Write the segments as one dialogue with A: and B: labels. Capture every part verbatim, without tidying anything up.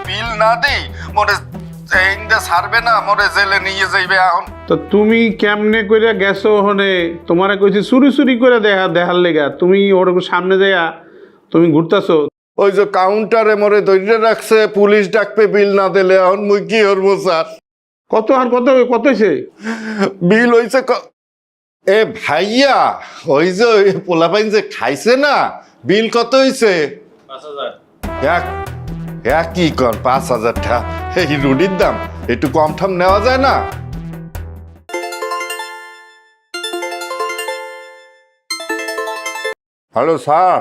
A: বিল না দেই মোরে এইটা ছাড়বে না, মোরে জেলে নিয়ে যাইবে এখন।
B: তো তুমি কেমনে করে গেছো ওখানে? তোমারে কইছি চুরি চুরি করে দেখা দেখার লেগা, তুমি ওর সামনে যাইয়া তুমি ঘুরতাছো।
A: ওই যে কাউন্টারে মোরে ধরে রাখছে, পুলিশ ডাকবে বিল না দিলে, এখন মুই কি করবো স্যার?
B: কত আর কত কত হয়েছে?
A: বিল হইছে ক- এ ভাইয়া, ওই যে ওই পোলাপাইন যে খাইছে না, বিল কত হইছে? এক এক কি কর পাঁচ হাজার টাকা। এই রুটির দাম একটু কম ঠাম নেওয়া যায় না? Hello sir.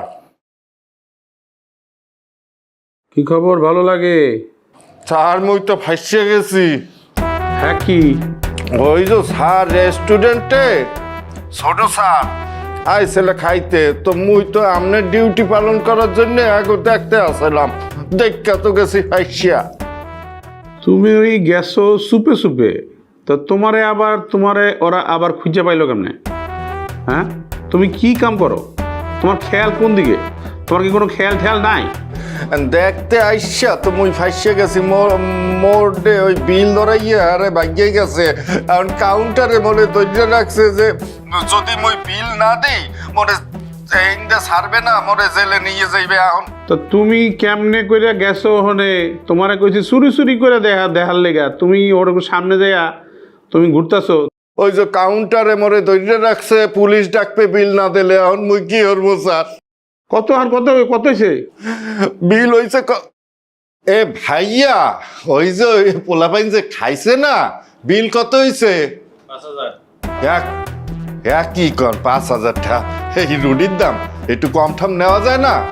B: কি খবর? ভালো লাগে?
A: স্যার মুই তো ফাঁসিয়ে গেছি।
B: হ্যাঁ কি?
A: ওই যে স্যার রেস্টুরেন্টে ছোট স্যার আইসেলে খাইতে, তো মুই তো আপনার ডিউটি পালন করার জন্য আগে দেখতে আসলাম, দেখা তো গেছি ফাঁসিয়া।
B: তুমি ওই গেছো সুপে সুপে, তো তোমারে আবার তোমারে ওরা আবার খুঁজে পাইলো কেমনে? হ্যাঁ, তুমি কি কাম করো? তোমার খেয়াল কোন দিকে? তোমার কি কোনো খেয়াল খেয়াল নাই?
A: দেখতে আইসা তো মুই ফাঁসিয়ে গেছি। মোড়ে ওই বিল ধরাইয়া আরে ভাগ্যে গেছে, এখন কাউন্টারে মনে ধৈর্য রাখছে যে যদি মুই বিল না দিই মোরে এইটা ছাড়বে না, মোরে জেলে নিয়ে যাইবে এখন।
B: তো তুমি কেমনে করে গেছো ওখানে? তোমারে কইছি চুরি চুরি করে দেখা দেখার লেগা, তুমি ওর সামনে যাইয়া তুমি ঘুরতাছো।
A: ওই যে কাউন্টারে মোরে ধৈর্য রাখছে, পুলিশ ডাকবে বিল না দিলে, এখন মুই কি করবো স্যার?
B: কত আর কত কত হয়েছে?
A: বিল হইছে ক- এ ভাইয়া, ওই যে ওই পোলাপাইন যে খাইছে না, বিল কত হইছে? এক এক কি কর পাঁচ হাজার টাকা। এই রুটির দাম একটু কম ঠাম নেওয়া যায় না?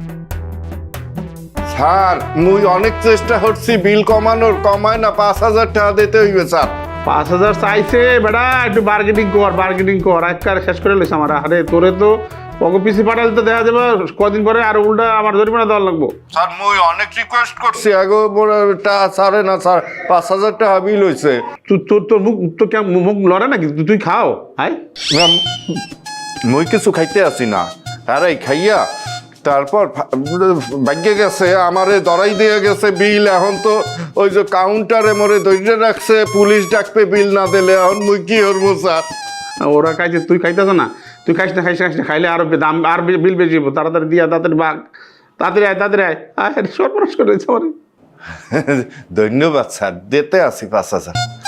A: স্যার মুই অনেক চেষ্টা করছি বিল কমানোর, কমায় না, পাঁচ হাজার টাকা দিতে হইবে স্যার।
B: পাঁচ হাজার চাইছে বেটা, একটু বার্গেনিং কর, বার্গেনিং কর। একবার শেষ করে লইছে আমার। আরে তোরে তো পকে পিসি পাঠালে তো দেখা যাবে কদিন পরে আর উল্টা আমার জরিমানা দেওয়ার লাগবো।
A: স্যার মুই অনেক রিকোয়েস্ট করছি আগে, ছাড়ে না স্যার, পাঁচ হাজার টাকা বিল হয়েছে।
B: তুই তোর তোর মুখ তো কেমন মুখ লড়ে নাকি? তুই খাও হাই।
A: মুই কিছু খাইতে আসি না, আরে খাইয়া তারপর ভাগ্যে গেছে, আমারে দরাই দিয়ে গেছে বিল। এখন তো ওই যে কাউন্টারে মোরে ধৈর্য রাখছে, পুলিশ ডাকবে বিল না দিলে, এখন মুই কি করবো স্যার?
B: ওরা খাইছে, তুই খাইতেছ না? তুই খাইস না, খাইস না, খাইস না, খাইলে আরো দাম আর বিল বেশি হবো। তাড়াতাড়ি দিয়া তাড়াতাড়ি বাঘ, তাড়াতাড়ি আয়, তাড়াতাড়ি আয়। আয় সর্বনাশ করে দিয়েছে আমার।
A: ধন্যবাদ স্যার, দিতে আসি পাঁচ হাজার।